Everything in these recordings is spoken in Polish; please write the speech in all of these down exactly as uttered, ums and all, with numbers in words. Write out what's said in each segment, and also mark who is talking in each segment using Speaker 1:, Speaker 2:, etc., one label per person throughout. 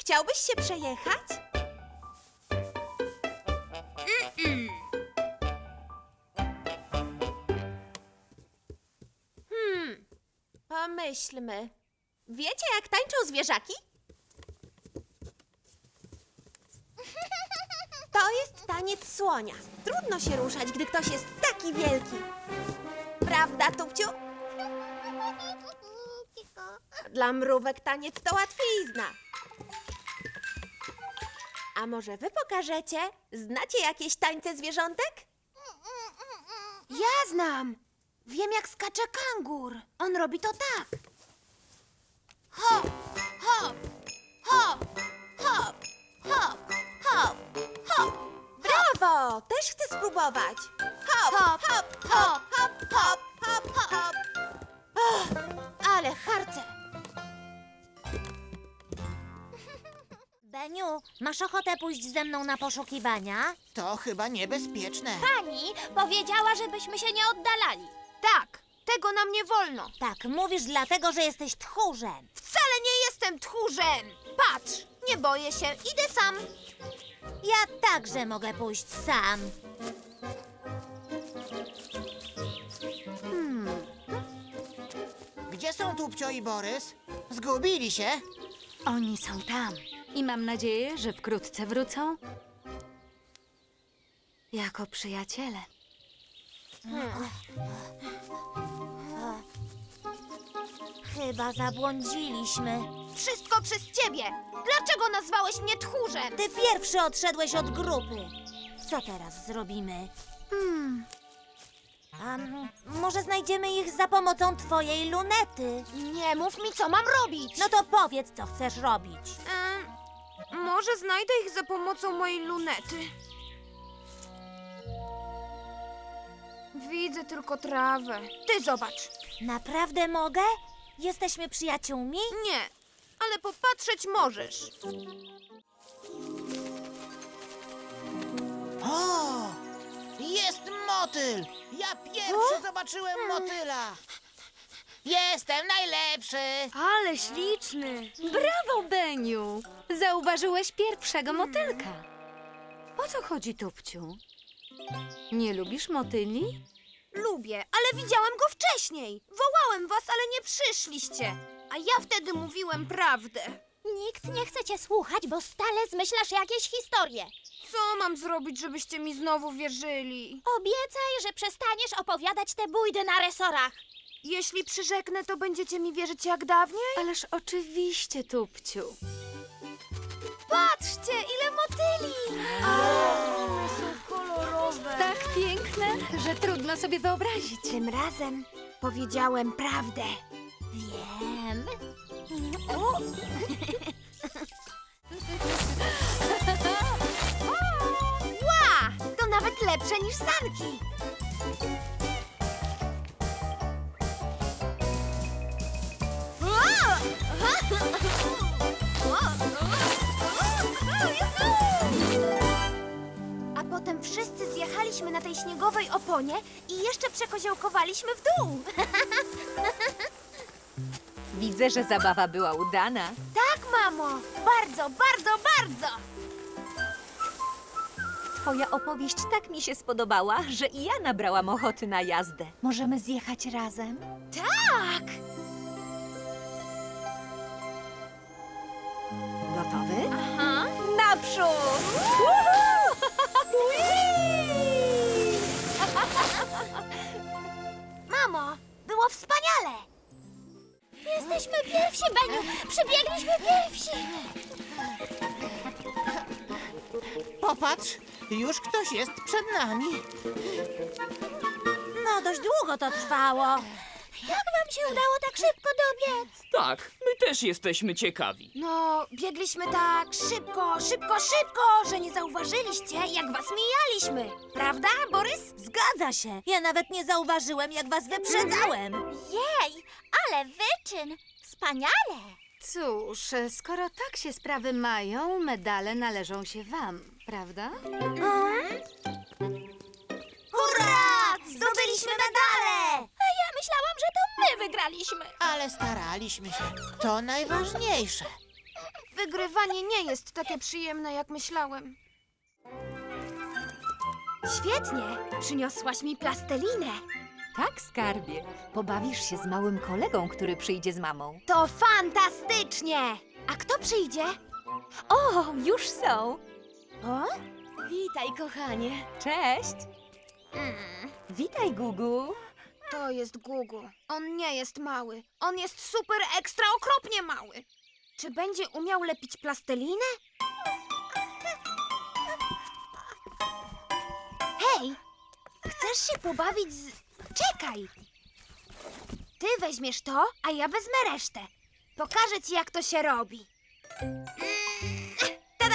Speaker 1: Chciałbyś się przejechać?
Speaker 2: Mm-mm.
Speaker 1: Hmm, pomyślmy. Wiecie, jak tańczą zwierzaki? To jest taniec słonia. Trudno się ruszać, gdy ktoś jest taki wielki. Prawda, Tupciu? Dla mrówek taniec to łatwizna. A może wy pokażecie? Znacie jakieś tańce zwierzątek?
Speaker 2: Ja znam. Wiem, jak skacze kangur. On robi to tak. Hop, hop, hop, hop, hop, hop, hop.
Speaker 1: Brawo! Też chcę spróbować. Hop, hop, hop, hop, hop, hop, hop, hop. Och, ale harce.
Speaker 3: Beniu, masz ochotę pójść ze mną na poszukiwania?
Speaker 4: To chyba niebezpieczne.
Speaker 3: Pani powiedziała, żebyśmy się nie oddalali.
Speaker 2: Tak, tego nam nie wolno.
Speaker 3: Tak, mówisz dlatego, że jesteś tchórzem.
Speaker 2: Wcale nie jestem tchórzem. Patrz, nie boję się, idę sam.
Speaker 3: Ja także mogę pójść sam.
Speaker 4: Gdzie są Tupcio i Borys? Zgubili się?
Speaker 5: Oni są tam i mam nadzieję, że wkrótce wrócą jako przyjaciele.
Speaker 3: Chyba zabłądziliśmy.
Speaker 2: Wszystko przez ciebie. Dlaczego nazwałeś mnie tchórzem?
Speaker 3: Ty pierwszy odszedłeś od grupy. Co teraz zrobimy? Hmm. A m- może znajdziemy ich za pomocą twojej lunety?
Speaker 2: Nie mów mi, co mam robić.
Speaker 3: No to powiedz, co chcesz robić.
Speaker 2: Em, może znajdę ich za pomocą mojej lunety. Widzę tylko trawę. Ty zobacz.
Speaker 3: Naprawdę mogę? Jesteśmy przyjaciółmi?
Speaker 2: Nie, ale popatrzeć możesz.
Speaker 4: O! Jest motyl! Ja pierwszy zobaczyłem motyla! Jestem najlepszy!
Speaker 5: Ale śliczny! Brawo, Beniu! Zauważyłeś pierwszego motylka. O co chodzi, Tupciu? Nie lubisz motyli?
Speaker 2: Lubię, ale widziałem go wcześniej. Wołałem was, ale nie przyszliście. A ja wtedy mówiłem prawdę.
Speaker 3: Nikt nie chce cię słuchać, bo stale zmyślasz jakieś historie.
Speaker 2: Co mam zrobić, żebyście mi znowu wierzyli?
Speaker 3: Obiecaj, że przestaniesz opowiadać te bójdy na resorach.
Speaker 2: Jeśli przyrzeknę, to będziecie mi wierzyć jak dawniej?
Speaker 5: Ależ oczywiście, Tupciu.
Speaker 2: Patrzcie, ile motyli! One są kolorowe.
Speaker 5: Tak piękne, że trudno sobie wyobrazić.
Speaker 2: Tym razem powiedziałem prawdę.
Speaker 3: Wiem.
Speaker 2: Ła! To nawet lepsze niż sanki. A potem wszyscy zjechaliśmy na tej śniegowej oponie i jeszcze przekoziołkowaliśmy w dół.
Speaker 6: Widzę, że zabawa była udana.
Speaker 2: Tak, mamo! Bardzo, bardzo, bardzo!
Speaker 6: Twoja opowieść tak mi się spodobała, że i ja nabrałam ochoty na jazdę. Możemy zjechać razem?
Speaker 2: Tak!
Speaker 6: Gotowy?
Speaker 2: Aha.
Speaker 6: Naprzód!
Speaker 2: Mamo, było wspaniale!
Speaker 3: Jesteśmy pierwsi, Beniu. Przybiegliśmy pierwsi.
Speaker 4: Popatrz, już ktoś jest przed nami.
Speaker 3: No, dość długo to trwało. Jak wam się udało tak szybko dobiec?
Speaker 7: Tak, my też jesteśmy ciekawi.
Speaker 2: No, biegliśmy tak szybko, szybko, szybko, że nie zauważyliście, jak was mijaliśmy. Prawda, Borys?
Speaker 3: Zgadza się. Ja nawet nie zauważyłem, jak was wyprzedzałem. Jej, ale wyczyn. Wspaniale.
Speaker 5: Cóż, skoro tak się sprawy mają, medale należą się wam, prawda?
Speaker 2: Hurra! Zdobyliśmy medale!
Speaker 3: A ja myślałam, że to my wygraliśmy.
Speaker 4: Ale staraliśmy się. To najważniejsze.
Speaker 2: wygrywanie nie jest takie przyjemne, jak myślałem.
Speaker 1: Świetnie! Przyniosłaś mi plastelinę.
Speaker 6: Tak, skarbie. Pobawisz się z małym kolegą, który przyjdzie z mamą.
Speaker 1: To fantastycznie! A kto przyjdzie?
Speaker 6: O, już są.
Speaker 1: O? Witaj, kochanie.
Speaker 6: Cześć. Witaj, Gugu.
Speaker 2: To jest Gugu. On nie jest mały. On jest super ekstra okropnie mały. Czy będzie umiał lepić plastelinę? Hej! Chcesz się pobawić z... Czekaj! Ty weźmiesz to, a ja wezmę resztę. Pokażę ci, jak to się robi. Mm, tada!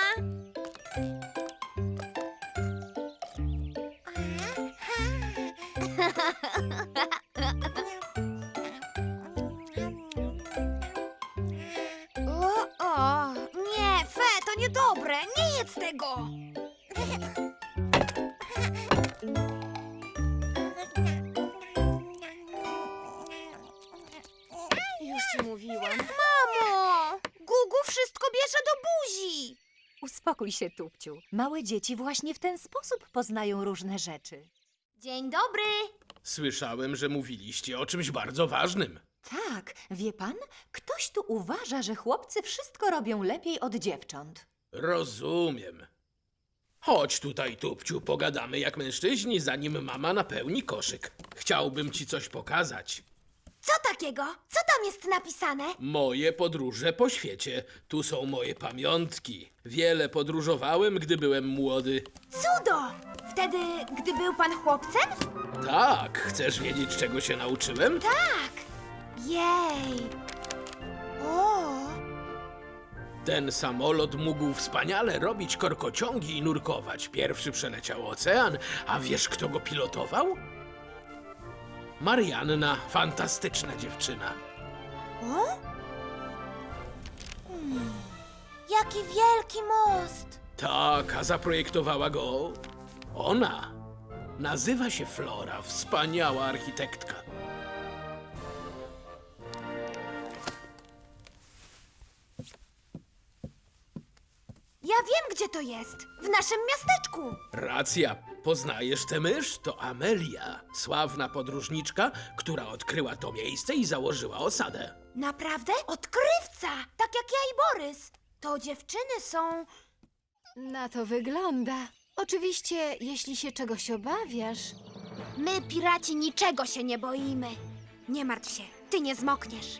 Speaker 2: O, o, nie, Fe, to niedobre. Nie jedz tego. Już ci mówiłam. Mamo! Gugu wszystko bierze do buzi.
Speaker 6: Uspokój się, Tupciu. Małe dzieci właśnie w ten sposób poznają różne rzeczy.
Speaker 2: Dzień dobry.
Speaker 8: Słyszałem, że mówiliście o czymś bardzo ważnym.
Speaker 6: Tak, wie pan? Ktoś tu uważa, że chłopcy wszystko robią lepiej od dziewcząt.
Speaker 8: Rozumiem. Chodź tutaj, Tupciu, pogadamy jak mężczyźni, zanim mama napełni koszyk. Chciałbym ci coś pokazać.
Speaker 2: Co takiego? Co tam jest napisane?
Speaker 8: Moje podróże po świecie. Tu są moje pamiątki. Wiele podróżowałem, gdy byłem młody.
Speaker 2: Cudo! Wtedy, gdy był pan chłopcem?
Speaker 8: Tak, chcesz wiedzieć, czego się nauczyłem?
Speaker 2: Tak. Jej. O.
Speaker 8: Ten samolot mógł wspaniale robić korkociągi i nurkować. Pierwszy przeleciał ocean, a wiesz, kto go pilotował? Marianna, fantastyczna dziewczyna.
Speaker 2: O? Hmm. Jaki wielki most!
Speaker 8: Tak, a zaprojektowała go ona. Nazywa się Flora, wspaniała architektka.
Speaker 2: Ja wiem, gdzie to jest. W naszym miasteczku.
Speaker 8: Racja, poznajesz tę mysz? To Amelia, sławna podróżniczka, która odkryła to miejsce i założyła osadę.
Speaker 2: Naprawdę? Odkrywca! Tak jak ja i Borys. To dziewczyny są...
Speaker 5: Na to wygląda. Oczywiście, jeśli się czegoś obawiasz.
Speaker 2: My, piraci, niczego się nie boimy. Nie martw się, ty nie zmokniesz.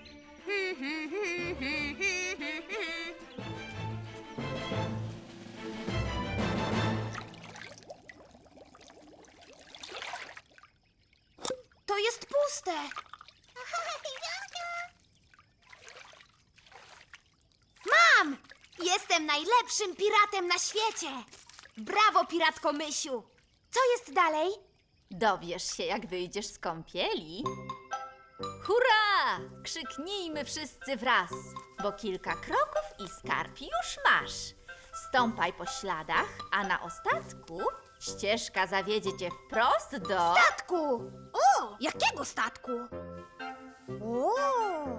Speaker 2: To jest puste. Mam! Jestem najlepszym piratem na świecie. Brawo, piratko Mysiu. Co jest dalej?
Speaker 5: Dowiesz się, jak wyjdziesz z kąpieli. Hurra! Krzyknijmy wszyscy wraz, bo kilka kroków i skarb już masz. Stąpaj po śladach, a na ostatku ścieżka zawiedzie cię wprost do...
Speaker 2: Statku! O, jakiego statku? O!